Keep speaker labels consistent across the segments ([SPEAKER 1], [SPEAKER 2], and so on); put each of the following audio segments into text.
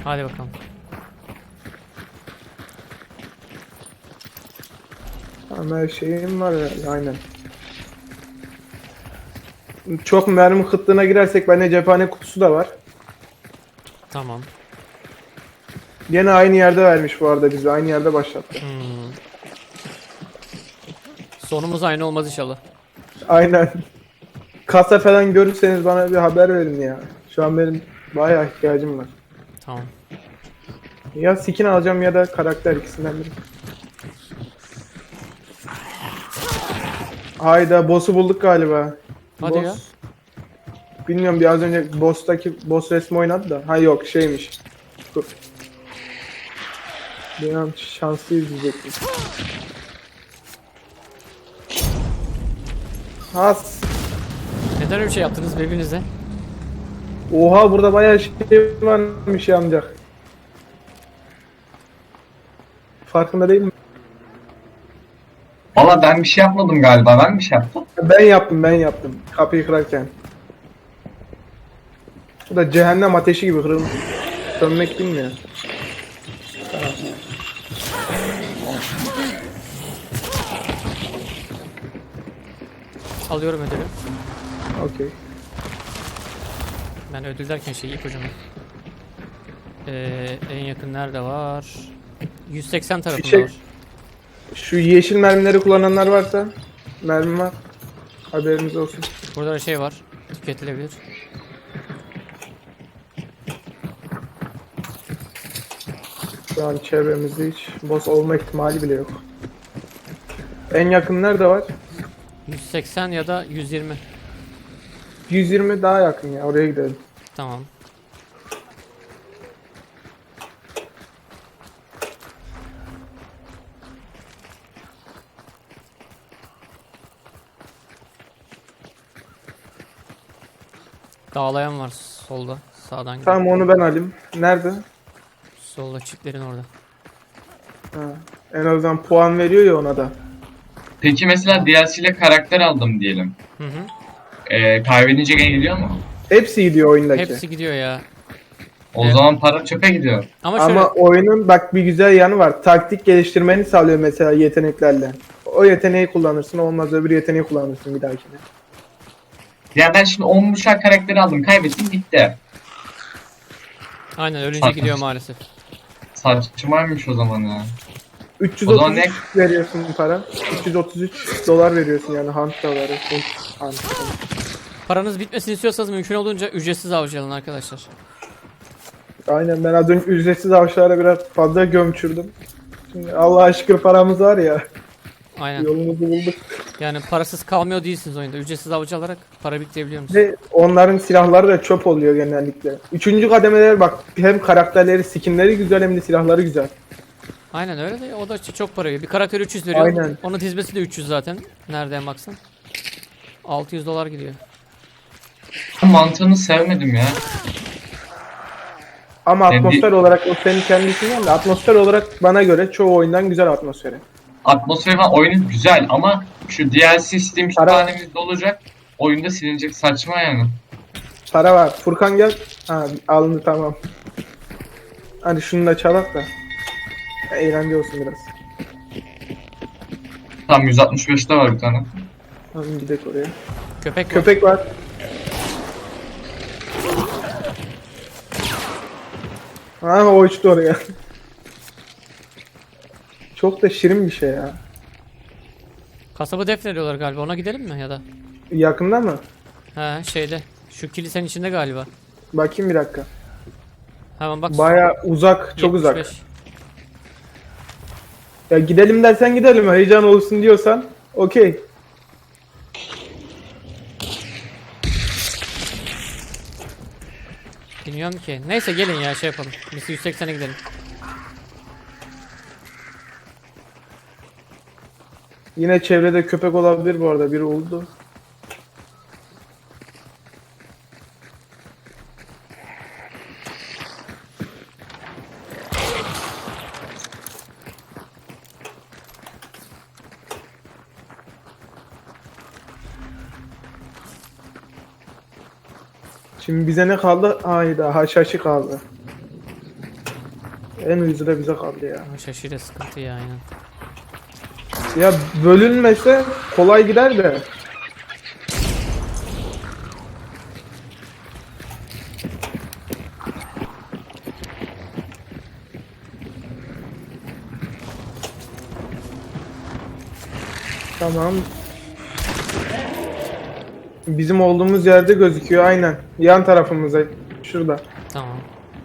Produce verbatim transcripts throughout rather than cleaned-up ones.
[SPEAKER 1] Hadi bakalım.
[SPEAKER 2] Ama her şeyim var ya, aynen. Çok mermi kıtlığına girersek bende cephane kutusu da var.
[SPEAKER 1] Tamam.
[SPEAKER 2] Yine aynı yerde vermiş bu arada bizi. Aynı yerde başlattı.
[SPEAKER 1] Hmm. Sonumuz aynı olmaz inşallah.
[SPEAKER 2] Aynen. Kasa falan görürseniz bana bir haber verin ya. Şu an benim bayağı ihtiyacım var.
[SPEAKER 1] Tamam.
[SPEAKER 2] Ya skin alacağım ya da karakter, ikisinden biri. Hayda, boss'u bulduk galiba.
[SPEAKER 1] Hadi
[SPEAKER 2] Boss.
[SPEAKER 1] ya.
[SPEAKER 2] Bilmiyorum, bir az önce boss'taki boss resmi oynadı da. Ha yok, şeymiş. Dur. Bilmiyorum, şanslıyız diyecektim. Has.
[SPEAKER 1] Neden öyle bir şey yaptınız birbirinize?
[SPEAKER 2] Oha, burada bayağı şey varmış yanacak. Farkında değil mi?
[SPEAKER 3] Valla ben bir şey yapmadım galiba. Ben bir şey yaptım.
[SPEAKER 2] Ben yaptım, ben yaptım. Kapıyı kırarken. Bu da cehennem ateşi gibi kırılmış. Sönmek bilmiyor.
[SPEAKER 1] Alıyorum ödülü.
[SPEAKER 2] Okey.
[SPEAKER 1] Ben ödül derken şey ipucunu. Ee, en yakın nerede var? yüz seksen tarafında
[SPEAKER 2] Fişek-
[SPEAKER 1] var.
[SPEAKER 2] Şu yeşil mermileri kullananlar varsa, mermi var. Haberiniz olsun.
[SPEAKER 1] Burada da şey var. Tüketilebilir.
[SPEAKER 2] Şu an çevremizde hiç boss olma ihtimali bile yok. En yakın nerede var?
[SPEAKER 1] yüz seksen ya da yüz yirmi.
[SPEAKER 2] yüz yirmi daha yakın ya, oraya gidelim.
[SPEAKER 1] Tamam. Dağlayan var solda. Sağdan gidiyor.
[SPEAKER 2] Tamam, onu ben alayım. Nerede?
[SPEAKER 1] Solda çitlerin orada.
[SPEAKER 2] Ha. En azından puan veriyor ya ona da.
[SPEAKER 3] Peki mesela D L C ile karakter aldım diyelim.
[SPEAKER 1] Hı hı.
[SPEAKER 3] Ee, kaybedince gene gidiyor mu?
[SPEAKER 2] Hepsi gidiyor oyundaki.
[SPEAKER 1] Hepsi gidiyor ya.
[SPEAKER 3] O
[SPEAKER 1] Evet.
[SPEAKER 3] zaman para çöpe gidiyor.
[SPEAKER 1] Ama şöyle
[SPEAKER 2] Ama oyunun bak bir güzel yanı var. Taktik geliştirmeni sağlıyor mesela yeteneklerle. O yeteneği kullanırsın, olmaz öbür yeteneği kullanırsın bir dahakine.
[SPEAKER 3] Ya ben şimdi on buçuk karakteri aldım. Kaybettim gitti.
[SPEAKER 1] aynen ölünce
[SPEAKER 3] Saçma.
[SPEAKER 1] gidiyor maalesef.
[SPEAKER 3] Saçmaymış o zaman ya.
[SPEAKER 2] üç yüz
[SPEAKER 3] O zaman
[SPEAKER 2] otuz üç veriyorsun para. üç yüz otuz üç dolar veriyorsun yani, hunt doları. Hunt, hunt.
[SPEAKER 1] Paranız bitmesini istiyorsanız mümkün olduğunca ücretsiz avcı alın arkadaşlar.
[SPEAKER 2] Aynen, ben az önce ücretsiz avşalara biraz fazla gömçürdüm. Şimdi Allah'a şükür paramız var ya.
[SPEAKER 1] Aynen.
[SPEAKER 2] Yolumuzu bulduk.
[SPEAKER 1] Yani parasız kalmıyor değilsiniz oyunda. Ücretsiz avcı alarak para biriktirebiliyor musunuz?
[SPEAKER 2] Ve onların silahları da çöp oluyor genellikle. Üçüncü kademeler bak, hem karakterleri, skinleri güzel hem de silahları güzel.
[SPEAKER 1] Aynen öyle de o da çok para veriyor. Bir karakter üç yüz veriyor.
[SPEAKER 2] Aynen.
[SPEAKER 1] Onun dizmesi de üç yüz zaten. Nereden baksan. altı yüz dolar gidiyor.
[SPEAKER 3] Mantığını sevmedim ya.
[SPEAKER 2] Ama
[SPEAKER 3] Kendi-
[SPEAKER 2] atmosfer olarak o senin kendisinden de, atmosfer olarak bana göre çoğu oyundan güzel atmosferi.
[SPEAKER 3] Atmosferi falan oyunun güzel ama şu D L C Steam
[SPEAKER 2] Para-
[SPEAKER 3] kütüphanemiz dolacak. Oyunda silinecek, saçma yani.
[SPEAKER 2] Para var. Furkan gel. Ha, alındı, tamam. Hadi şunu da çalak da. Eğlence olsun biraz.
[SPEAKER 3] Tam yüz altmış beşte var bir tane.
[SPEAKER 2] Hadi gidelim oraya.
[SPEAKER 1] Köpek var.
[SPEAKER 2] Köpek var. Ha, o uçtu oraya. Çok da şirin bir şey ya.
[SPEAKER 1] Kasabı defnediyorlar galiba. Ona gidelim mi ya da?
[SPEAKER 2] Yakında mı?
[SPEAKER 1] He şeyde. Şu kilisenin içinde galiba.
[SPEAKER 2] Bakayım bir dakika.
[SPEAKER 1] Hemen bak.
[SPEAKER 2] Baya uzak, çok uzak.
[SPEAKER 1] yetmiş beş.
[SPEAKER 2] Ya gidelim dersen gidelim, heyecan olsun diyorsan okey.
[SPEAKER 1] Bilmiyorum ki. Neyse gelin ya şey yapalım. Biz yüz seksene gidelim.
[SPEAKER 2] Yine çevrede köpek olabilir bu arada, biri oldu. Şimdi bize ne kaldı? Hayda, haşhaşı kaldı. En ucuzu da bize kaldı ya.
[SPEAKER 1] Ama şaşırıyor, sıkıntı ya aynen.
[SPEAKER 2] Ya bölünmese kolay gider de. Tamam. Bizim olduğumuz yerde gözüküyor aynen. Yan tarafımıza. Şurada.
[SPEAKER 1] Tamam.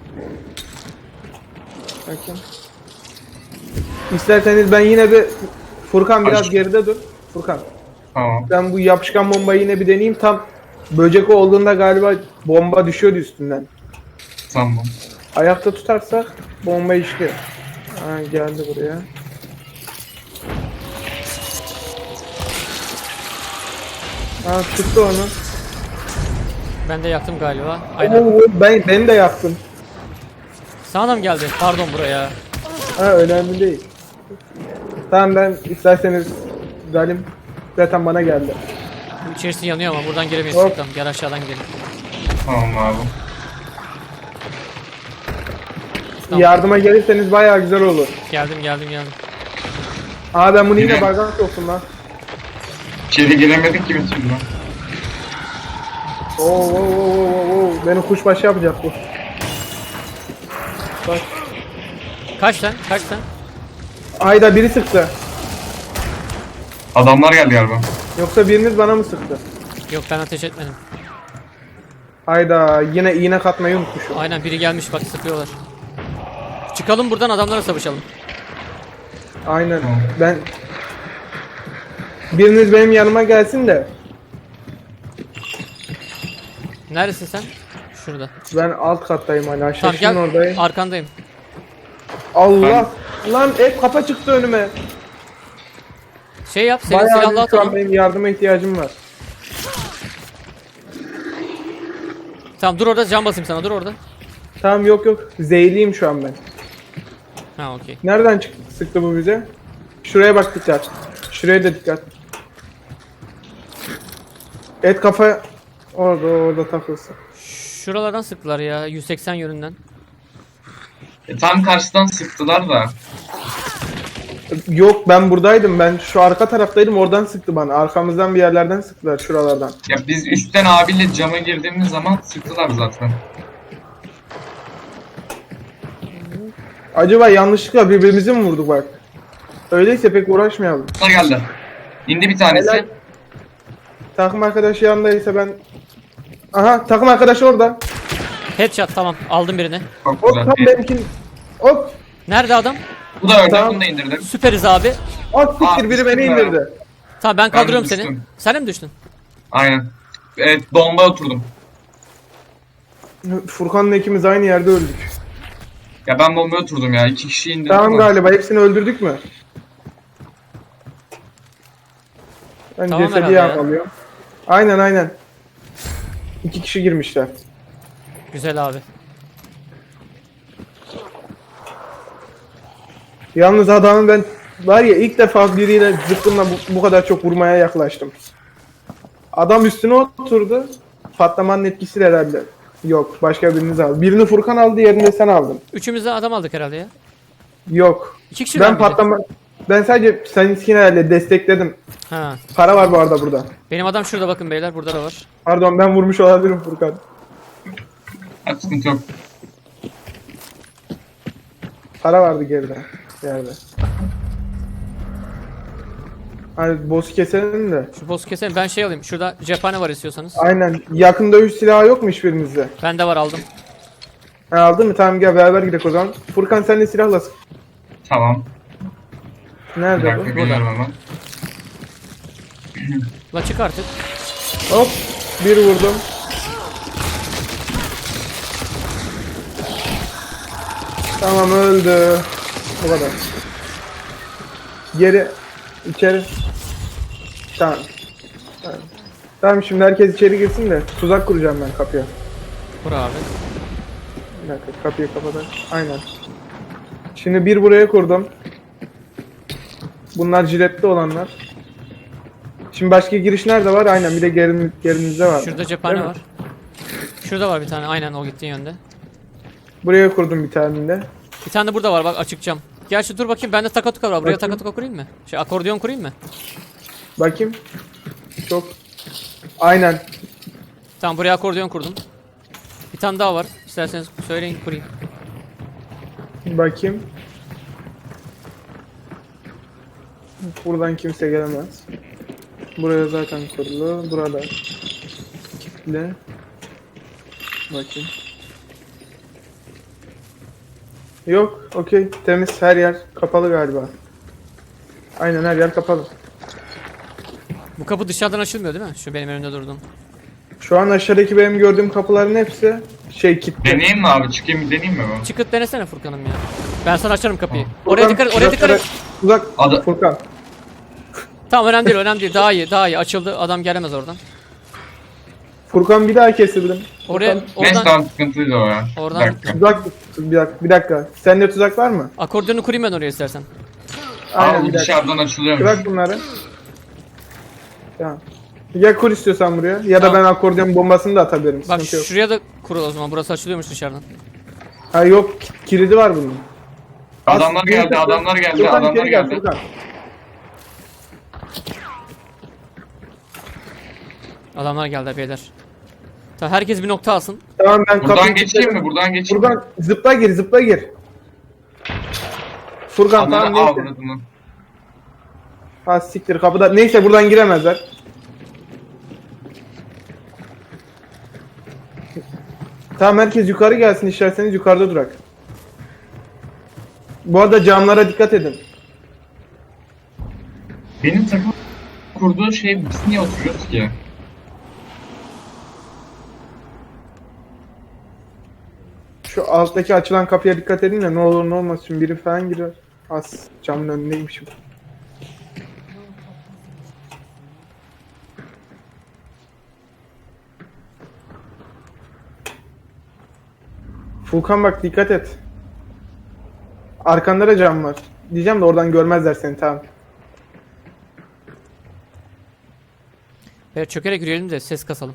[SPEAKER 2] Bakın. İsterseniz ben yine bir Furkan biraz
[SPEAKER 3] Aç.
[SPEAKER 2] geride dur. Furkan.
[SPEAKER 3] Tamam.
[SPEAKER 2] Ben bu yapışkan bombayı yine bir deneyeyim. Tam böcek olduğunda galiba bomba düşüyordu üstünden.
[SPEAKER 3] Tamam.
[SPEAKER 2] Ayakta tutarsak bomba işliyor. Ha, geldi buraya. Ha, tuttu onu.
[SPEAKER 1] Ben de yaktım galiba. Aynen.
[SPEAKER 2] Oo, ben beni de yaktın.
[SPEAKER 1] Sana da mı geldi? Pardon buraya.
[SPEAKER 2] Ha, önemli değil. Tamam, ben isterseniz galim zaten bana geldi.
[SPEAKER 1] Bu İçerisi yanıyor ama buradan giremeyiz.
[SPEAKER 2] Hop.
[SPEAKER 1] Tamam, gel aşağıdan gidelim.
[SPEAKER 3] Tamam abi.
[SPEAKER 1] Tamam.
[SPEAKER 2] Yardıma gelirseniz bayağı güzel olur.
[SPEAKER 1] Geldim geldim geldim.
[SPEAKER 2] Aa, ben bunu yine
[SPEAKER 3] Yine-
[SPEAKER 2] bardak soktum lan.
[SPEAKER 3] İçeri giremedik ki bir türlü.
[SPEAKER 2] Oo, oo, oo, oo, oo. Beni kuşbaşı yapacak bu. Bak.
[SPEAKER 1] Kaç lan? Kaç lan?
[SPEAKER 2] Ayda biri sıktı.
[SPEAKER 3] Adamlar geldi galiba.
[SPEAKER 2] Yoksa biriniz bana mı sıktı?
[SPEAKER 1] Yok, ben ateş etmedim.
[SPEAKER 2] Hayda, yine iğne katmayı unutmuşum.
[SPEAKER 1] Aynen, biri gelmiş bak, sıkıyorlar. Çıkalım buradan, adamlara savaşalım.
[SPEAKER 2] Aynen.
[SPEAKER 3] Tamam.
[SPEAKER 2] Ben biriniz benim yanıma gelsin de
[SPEAKER 1] Neredesin sen? Şurada.
[SPEAKER 2] ben alt kattayım hala.
[SPEAKER 1] Tamam
[SPEAKER 2] Şaşkın
[SPEAKER 1] gel,
[SPEAKER 2] oradayım.
[SPEAKER 1] arkandayım.
[SPEAKER 2] Allah! Lan hep kafa çıktı önüme.
[SPEAKER 1] Şey yap, senin
[SPEAKER 2] Bayağı
[SPEAKER 1] silahla
[SPEAKER 2] bir şu an
[SPEAKER 1] atalım.
[SPEAKER 2] benim yardıma ihtiyacım var.
[SPEAKER 1] Tamam dur orada, can basayım sana, dur orada.
[SPEAKER 2] Tamam, yok yok. Zeyliyim şu an ben.
[SPEAKER 1] Ha okey.
[SPEAKER 2] Nereden çıktı, sıktı bu bize? Şuraya bak, dikkat. Şuraya da dikkat. Et kafa orada orada takılsın.
[SPEAKER 1] Şuralardan sıktılar ya, yüz seksen yönünden.
[SPEAKER 3] E, tam karşıdan sıktılar da.
[SPEAKER 2] Yok, ben buradaydım. Ben şu arka taraftaydım. Oradan sıktı bana. Arkamızdan bir yerlerden sıktılar, şuralardan.
[SPEAKER 3] Ya biz üstten abiyle cama girdiğimiz zaman sıktılar zaten.
[SPEAKER 2] Acaba yanlışlıkla birbirimizi mi vurduk bak? Öyleyse pek uğraşmayalım.
[SPEAKER 3] Bunlar geldi. İndi bir tanesi.
[SPEAKER 2] Helal. Takım arkadaşı yanındaysa ben... Aha, takım arkadaşı orada.
[SPEAKER 1] Headshot, tamam aldım birini.
[SPEAKER 3] Çok
[SPEAKER 2] Hop,
[SPEAKER 3] güzel.
[SPEAKER 2] tam benimkin. Hop.
[SPEAKER 1] Nerede adam?
[SPEAKER 3] Bu da öldü.
[SPEAKER 2] Tamam.
[SPEAKER 3] Bunu da indirdim.
[SPEAKER 1] Süperiz abi.
[SPEAKER 2] At siktir,
[SPEAKER 3] Aa,
[SPEAKER 2] biri beni
[SPEAKER 3] düştüm ya.
[SPEAKER 2] indirdi.
[SPEAKER 1] Tamam ben kaldırıyorum
[SPEAKER 3] Ben
[SPEAKER 1] seni.
[SPEAKER 3] düştüm.
[SPEAKER 1] Sen de mi düştün?
[SPEAKER 3] Aynen. Evet, bomba oturdum.
[SPEAKER 2] Furkan'la ikimiz aynı yerde öldük.
[SPEAKER 3] Ya ben bombaya oturdum ya. İki kişi indirdim.
[SPEAKER 2] Tamam,
[SPEAKER 3] ama-
[SPEAKER 2] galiba hepsini öldürdük mü? Ben
[SPEAKER 1] Tamam
[SPEAKER 2] cesedi
[SPEAKER 1] herhalde ya.
[SPEAKER 2] yağmalıyorum. Aynen aynen. İki kişi girmişler.
[SPEAKER 1] Güzel abi.
[SPEAKER 2] Yalnız adamın ben var ya, ilk defa biriyle zıkkımla bu, bu kadar çok vurmaya yaklaştım. Adam üstüne oturdu. Patlamanın etkisiyle herhalde. Yok, başka biriniz aldı. Birini Furkan aldı, diğerini de sen aldın.
[SPEAKER 1] Üçümüz de adam aldık herhalde ya.
[SPEAKER 2] Yok.
[SPEAKER 1] İki kişi
[SPEAKER 2] Ben
[SPEAKER 1] miydi?
[SPEAKER 2] patlama... Ben sadece seninkini herhalde destekledim.
[SPEAKER 1] Ha.
[SPEAKER 2] Para var bu arada burada.
[SPEAKER 1] Benim adam şurada, bakın beyler, burada da var.
[SPEAKER 2] Pardon, ben vurmuş olabilirim Furkan.
[SPEAKER 3] Ha, sıkıntı yok.
[SPEAKER 2] Para vardı geride. Yerde. Hani boss'u keselim de.
[SPEAKER 1] Şu boss'u keselim, ben şey alayım. Şurada cephane var istiyorsanız.
[SPEAKER 2] Aynen. Yakın dövüş silahı yok mu hiçbirinizde?
[SPEAKER 1] Bende var, aldım.
[SPEAKER 2] Ha, aldın mı? Tamam, gel beraber gidelim o zaman. Furkan, sen de silahla sık.
[SPEAKER 3] Tamam. Bir
[SPEAKER 2] Nerede
[SPEAKER 3] dakika
[SPEAKER 2] bu?
[SPEAKER 3] geliyorum hemen.
[SPEAKER 1] La çık artık.
[SPEAKER 2] Hop. Bir vurdum. Tamam, öldü. Bu kadar. Geri. içeri. Tamam. Tamam. Tamam, şimdi herkes içeri girsin de tuzak kuracağım ben kapıya.
[SPEAKER 1] Kur abi.
[SPEAKER 2] Bir dakika, kapıyı kapatalım. Aynen. Şimdi bir buraya kurdum. Bunlar jiletli olanlar. Şimdi başka giriş nerede var? Aynen, bir de gerin, gerinizde var.
[SPEAKER 1] Şurada cephane
[SPEAKER 2] Değil mi?
[SPEAKER 1] var. Şurada var bir tane, aynen o gittiğin yönde.
[SPEAKER 2] Buraya kurdum bir tane de.
[SPEAKER 1] Bir tane de burada var bak açık cam. Gerçi dur bakayım bende takatuka var. Buraya
[SPEAKER 2] Bakayım.
[SPEAKER 1] takatuka kurayım mı? Şey akordeon kurayım mı?
[SPEAKER 2] Bakayım. Çok. Aynen.
[SPEAKER 1] Tamam buraya akordeon kurdum. Bir tane daha var. İsterseniz söyleyin kurayım.
[SPEAKER 2] Bakayım. Buradan kimse gelemez. Buraya zaten kurulu. Burada. Kitle. Bakayım. Yok. Okey. Temiz. Her yer kapalı galiba. Aynen her yer kapalı.
[SPEAKER 1] Bu kapı dışarıdan açılmıyor değil mi? Şu benim önümde durduğum.
[SPEAKER 2] Şu an aşağıdaki benim gördüğüm kapıların hepsi şey kilitli.
[SPEAKER 3] Deneyeyim mi abi? Çıkayım bir deneyeyim mi ben?
[SPEAKER 1] Çıkıp denesene Furkan'ım ya. Ben sana açarım kapıyı.
[SPEAKER 2] Furkan,
[SPEAKER 1] Oraya dikkat et, oraya dikkat et.
[SPEAKER 2] Uzak.
[SPEAKER 3] Adı-
[SPEAKER 2] Furkan.
[SPEAKER 1] Tamam önemli değil, önemli değil. Daha iyi, daha iyi. Açıldı. Adam gelemez oradan.
[SPEAKER 2] Furkan bir daha kesildim.
[SPEAKER 1] Oraya,
[SPEAKER 2] Furkan,
[SPEAKER 3] Neyse
[SPEAKER 1] oradan
[SPEAKER 3] tamam sıkıntıydı o ya.
[SPEAKER 1] Oradan-
[SPEAKER 3] Bir dakika.
[SPEAKER 2] Tuzak. Bir dakika. Bir dakika. Sende tuzak var mı?
[SPEAKER 1] akordeonu kurayım ben oraya istersen.
[SPEAKER 2] Aynen
[SPEAKER 3] Aa,
[SPEAKER 2] bir
[SPEAKER 3] bu
[SPEAKER 2] dakika.
[SPEAKER 3] dışarıdan açılıyormuş.
[SPEAKER 2] Bırak bunları. Tamam. Ya kur istiyorsan buraya ya da
[SPEAKER 1] Tamam.
[SPEAKER 2] ben akordeon bombasını da atabilirim.
[SPEAKER 1] Bak
[SPEAKER 2] Sıkıntı yok.
[SPEAKER 1] şuraya da kurul o zaman. Burası açılıyormuş dışarıdan.
[SPEAKER 2] Ha yok ki- kilidi var bunun.
[SPEAKER 3] Adamlar
[SPEAKER 2] As-
[SPEAKER 3] geldi,
[SPEAKER 2] Furkan,
[SPEAKER 3] adamlar geldi,
[SPEAKER 2] Furkan,
[SPEAKER 3] adamlar
[SPEAKER 2] içeri gel,
[SPEAKER 3] geldi.
[SPEAKER 2] Furkan.
[SPEAKER 1] Adamlar geldi beyler. Tamam herkes bir nokta alsın.
[SPEAKER 2] Tamam ben
[SPEAKER 3] Buradan
[SPEAKER 2] kapıyı
[SPEAKER 3] geçeyim mi?
[SPEAKER 2] kilitledim.
[SPEAKER 3] Buradan geçeyim mi?
[SPEAKER 2] Furkan zıpla gir zıpla gir. Furkan
[SPEAKER 3] Ananı
[SPEAKER 2] tamam neyse.
[SPEAKER 3] avradını.
[SPEAKER 2] Ha siktir kapıda. Neyse buradan giremezler. Tamam herkes yukarı gelsin isterseniz yukarıda durak. Bu arada camlara dikkat edin.
[SPEAKER 3] Benim takım kurduğu şey biz niye oturuyoruz ki?
[SPEAKER 2] Şu alttaki açılan kapıya dikkat edin de ne olur ne olmaz şimdi biri falan girer. Az camın önündeymişim. Furkan bak dikkat et. Arkanda da cam var. Diyeceğim de oradan görmezler seni tamam.
[SPEAKER 1] Evet çökerek yürüyelim de ses kasalım.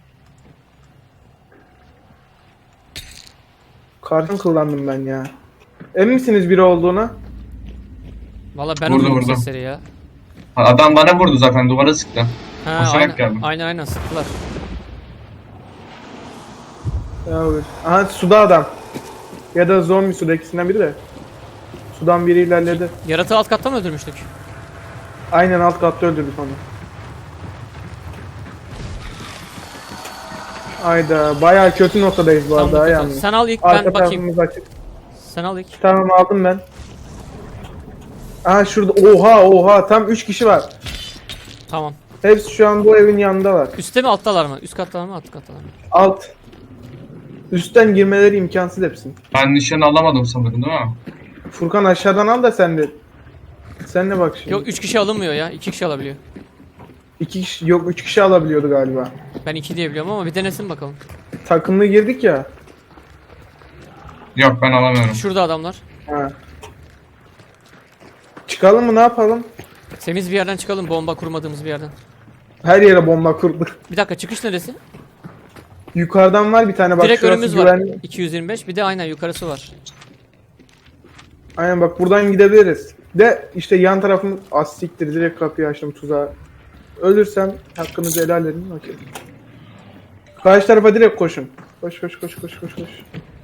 [SPEAKER 2] Kartım kullandım ben ya. Emin misiniz biri olduğuna?
[SPEAKER 1] Valla ben
[SPEAKER 3] Vurdu,
[SPEAKER 1] uydurdum
[SPEAKER 3] vurdu.
[SPEAKER 1] sesleri ya.
[SPEAKER 3] Adam bana vurdu zaten, duvara sıktı.
[SPEAKER 1] Ha,
[SPEAKER 3] Koşarak
[SPEAKER 1] aynen,
[SPEAKER 3] geldim.
[SPEAKER 1] aynen aynen sıktılar.
[SPEAKER 2] Ya olur. Aha suda adam. Ya da zombi suda ikisinden biri de. Sudan biri ilerledi.
[SPEAKER 1] Yaratığı alt kattan mı öldürmüştük?
[SPEAKER 2] Aynen alt katta öldürdük onu. Ayda bayağı kötü noktadayız bu
[SPEAKER 1] Tamam,
[SPEAKER 2] arada
[SPEAKER 1] dur,
[SPEAKER 2] yani.
[SPEAKER 1] sen al ilk
[SPEAKER 2] Arka
[SPEAKER 1] ben bakayım.
[SPEAKER 2] tarafımız açık.
[SPEAKER 1] Sen al ilk.
[SPEAKER 2] Tamam aldım ben. Aha şurada oha oha tam üç kişi var.
[SPEAKER 1] Tamam.
[SPEAKER 2] Hepsi şu an bu evin yanındalar.
[SPEAKER 1] Üstte mi alttalar mı? Üst kattalar mı alt kattalar mı?
[SPEAKER 2] Alt. Üstten girmeleri imkansız hepsinin.
[SPEAKER 3] Ben nişan alamadım sanırım değil mi?
[SPEAKER 2] Furkan aşağıdan al da sen de. Sen de bak şimdi.
[SPEAKER 1] Yok üç kişi alınmıyor ya. iki kişi alabiliyor.
[SPEAKER 2] İki kişi yok üç kişi alabiliyordu galiba.
[SPEAKER 1] Ben iki diye biliyorum ama bir denesin bakalım.
[SPEAKER 2] Takımlı girdik ya.
[SPEAKER 3] Yok ben alamıyorum.
[SPEAKER 1] Şurada adamlar.
[SPEAKER 2] Ha. Çıkalım mı ne yapalım?
[SPEAKER 1] Temiz bir yerden çıkalım bomba kurmadığımız bir yerden.
[SPEAKER 2] Her yere bomba kurduk.
[SPEAKER 1] Bir dakika çıkış neresi?
[SPEAKER 2] Yukarıdan var bir tane bak
[SPEAKER 1] Direkt
[SPEAKER 2] şurası
[SPEAKER 1] önümüz var.
[SPEAKER 2] güvenli.
[SPEAKER 1] iki yüz yirmi beş bir de aynen yukarısı var.
[SPEAKER 2] Aynen bak buradan gidebiliriz. De işte yan tarafımız az siktir direkt kapıyı açtım tuzağa. Ölürsem hakkınızı helal edin. Okey. Karşı tarafa direkt koşun. Koş koş koş koş koş koş.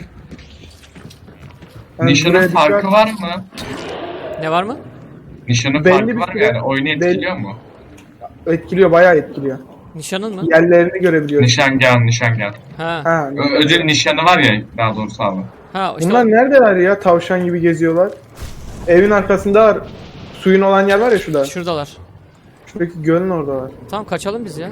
[SPEAKER 2] Yani
[SPEAKER 3] Nişanın
[SPEAKER 2] buraya
[SPEAKER 3] farkı
[SPEAKER 2] dikkat-
[SPEAKER 3] var mı?
[SPEAKER 1] Ne var mı?
[SPEAKER 3] Nişanın
[SPEAKER 2] Belli
[SPEAKER 3] farkı
[SPEAKER 2] bir
[SPEAKER 3] var mı
[SPEAKER 2] süre-
[SPEAKER 3] yani? Oyunu
[SPEAKER 2] belli-
[SPEAKER 3] etkiliyor mu?
[SPEAKER 2] Etkiliyor bayağı etkiliyor.
[SPEAKER 1] Nişanın mı?
[SPEAKER 2] Yerlerini görebiliyoruz.
[SPEAKER 3] Nişangah, nişangah.
[SPEAKER 1] Ha.
[SPEAKER 2] Ha.
[SPEAKER 3] Ö- Ödül nişanı var ya daha doğrusu abi.
[SPEAKER 1] Ha işte
[SPEAKER 2] Bunlar
[SPEAKER 1] o-
[SPEAKER 2] neredeler ya? Tavşan gibi geziyorlar. Evin arkasında var. Suyun olan yer var ya şurada.
[SPEAKER 1] şuradalar.
[SPEAKER 2] Şuradaki gölün orada var.
[SPEAKER 1] Tamam kaçalım biz ya.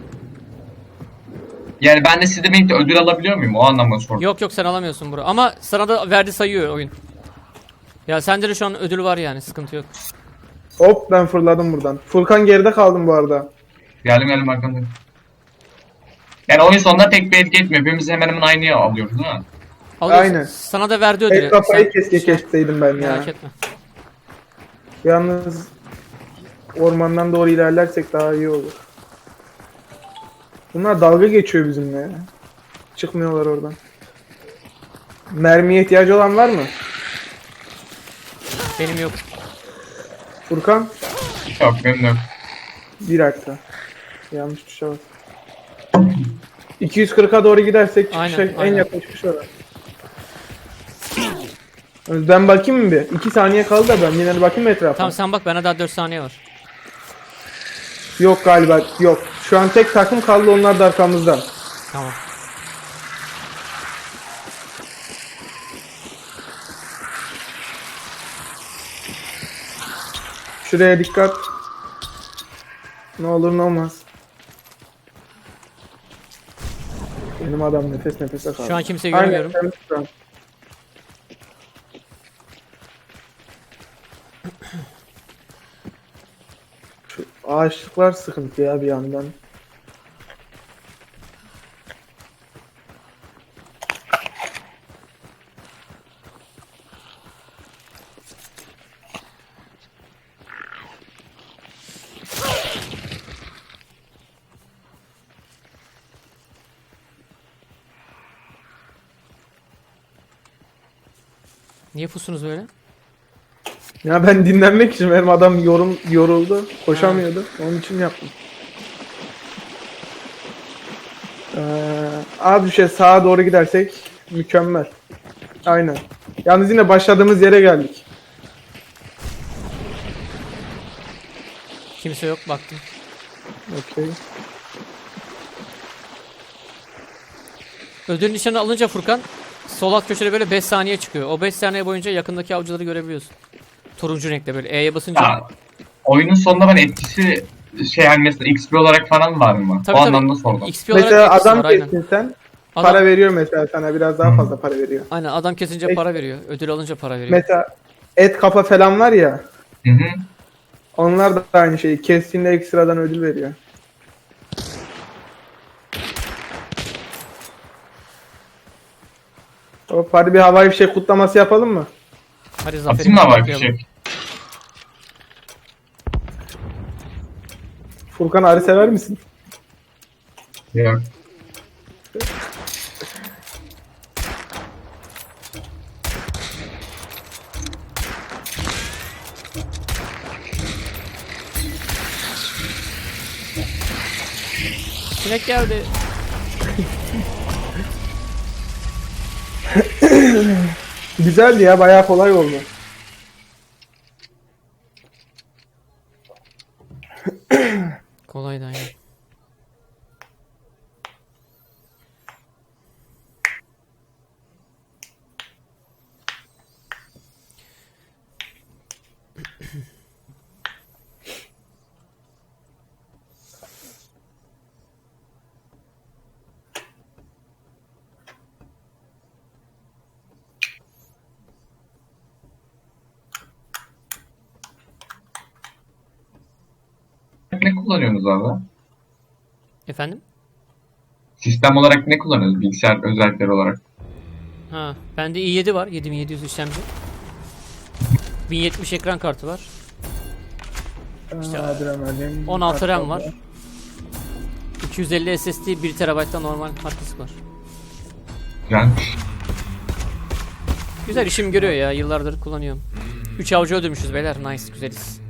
[SPEAKER 3] Yani ben de sizle birlikte ödül alabiliyor muyum? O anlamda sordum.
[SPEAKER 1] Yok yok sen alamıyorsun bro. Ama sana da verdi sayıyor oyun. Ya sende de şu an ödül var yani sıkıntı yok.
[SPEAKER 2] Hop ben fırladım buradan. Furkan geride kaldım bu arada.
[SPEAKER 3] Geldim geldim arkamda. Yani oyun sonunda pek bir etki etmiyor. Hepimiz hemen hemen aynı alıyoruz değil mi?
[SPEAKER 1] Alıyorsun.
[SPEAKER 2] Aynen.
[SPEAKER 1] Sana da verdi ödülü.
[SPEAKER 2] El kafayı
[SPEAKER 1] Sen-
[SPEAKER 2] keşke kesseydim ben ya.
[SPEAKER 1] Merak etme.
[SPEAKER 2] Yalnız ormandan doğru ilerlersek daha iyi olur. Bunlar dalga geçiyor bizimle ya. Çıkmıyorlar oradan. Mermiye ihtiyacı olan var mı?
[SPEAKER 1] Benim yok.
[SPEAKER 2] Furkan
[SPEAKER 3] Yok benim de yok.
[SPEAKER 2] bir dakika. Yanlış tuşa bas. iki yüz kırka doğru gidersek
[SPEAKER 1] Aynen,
[SPEAKER 2] çıkışa, en
[SPEAKER 1] aynen.
[SPEAKER 2] yakın çıkış orası. Ben bakayım mı bir? iki saniye kaldı da ben yine de bakayım mı etrafa?
[SPEAKER 1] Tamam sen bak, bana daha dört saniye var.
[SPEAKER 2] Yok galiba yok. Şu an tek takım kaldı, onlar da arkamızda.
[SPEAKER 1] Tamam.
[SPEAKER 2] Şuraya dikkat. Ne olur ne olmaz. Benim adam nefes nefese kaldı.
[SPEAKER 1] Şu an kimseyi
[SPEAKER 2] Aynen,
[SPEAKER 1] görmüyorum.
[SPEAKER 2] temiz şu an. Şu ağaçlıklar sıkıntı ya bir yandan.
[SPEAKER 1] Niye pusunuz böyle?
[SPEAKER 2] Ya ben dinlenmek için, benim adam yorum, yoruldu. Koşamıyordu. Onun için yaptım. Ee, abi şey sağa doğru gidersek mükemmel. Aynen. Yalnız yine başladığımız yere geldik.
[SPEAKER 1] Kimse yok, baktım.
[SPEAKER 2] Okey.
[SPEAKER 1] Ödül nişanı alınca Furkan sol alt köşede böyle beş saniye çıkıyor. O beş saniye boyunca yakındaki avcıları görebiliyorsun. Turuncu renkte böyle E'ye basınca.
[SPEAKER 3] Ya, oyunun sonunda ben etkisi şey yani mesela X P olarak falan var mı?
[SPEAKER 1] Tabii,
[SPEAKER 3] o
[SPEAKER 1] tabii.
[SPEAKER 3] anlamda sordum.
[SPEAKER 1] X P olarak
[SPEAKER 2] Mesela
[SPEAKER 1] etkisi
[SPEAKER 2] adam
[SPEAKER 1] var, aynen.
[SPEAKER 2] kestin sen,
[SPEAKER 1] Adam-
[SPEAKER 2] para veriyor mesela sana, biraz daha fazla para veriyor.
[SPEAKER 1] Aynen, adam kesince
[SPEAKER 2] Peki.
[SPEAKER 1] para veriyor. Ödül alınca para veriyor.
[SPEAKER 2] Mesela et kafa falan var ya,
[SPEAKER 3] Hı hı.
[SPEAKER 2] onlar da aynı şeyi kestiğinde ekstradan ödül veriyor. Hop, hadi bir havai fişek kutlaması yapalım mı?
[SPEAKER 1] Hadi
[SPEAKER 3] Atayım
[SPEAKER 1] zaferimizi
[SPEAKER 3] mı havai
[SPEAKER 1] kutlayalım.
[SPEAKER 3] fişek?
[SPEAKER 2] Furkan, arı sever misin?
[SPEAKER 3] Yok.
[SPEAKER 1] Sinek geldi.
[SPEAKER 2] Güzeldi ya, bayağı kolay oldu.
[SPEAKER 1] Kolaydı aynen.
[SPEAKER 3] Ne kullanıyorsunuz orada?
[SPEAKER 1] Efendim?
[SPEAKER 3] Sistem olarak ne kullanıyorsunuz? Bilgisayar özellikleri olarak.
[SPEAKER 1] Ha, bende i yedi var. yedi bin yedi yüz işlemci. bin yetmiş ekran kartı var.
[SPEAKER 2] İşte, Adrenalin,
[SPEAKER 1] on altı RAM
[SPEAKER 2] kartal
[SPEAKER 1] var. iki yüz elli S S D, bir terabayt da normal hard disk var.
[SPEAKER 3] Güzelmiş.
[SPEAKER 1] Güzel, işim görüyor ya. Yıllardır kullanıyorum. üç avcı öldürmüşüz beyler. Nice, güzeliz.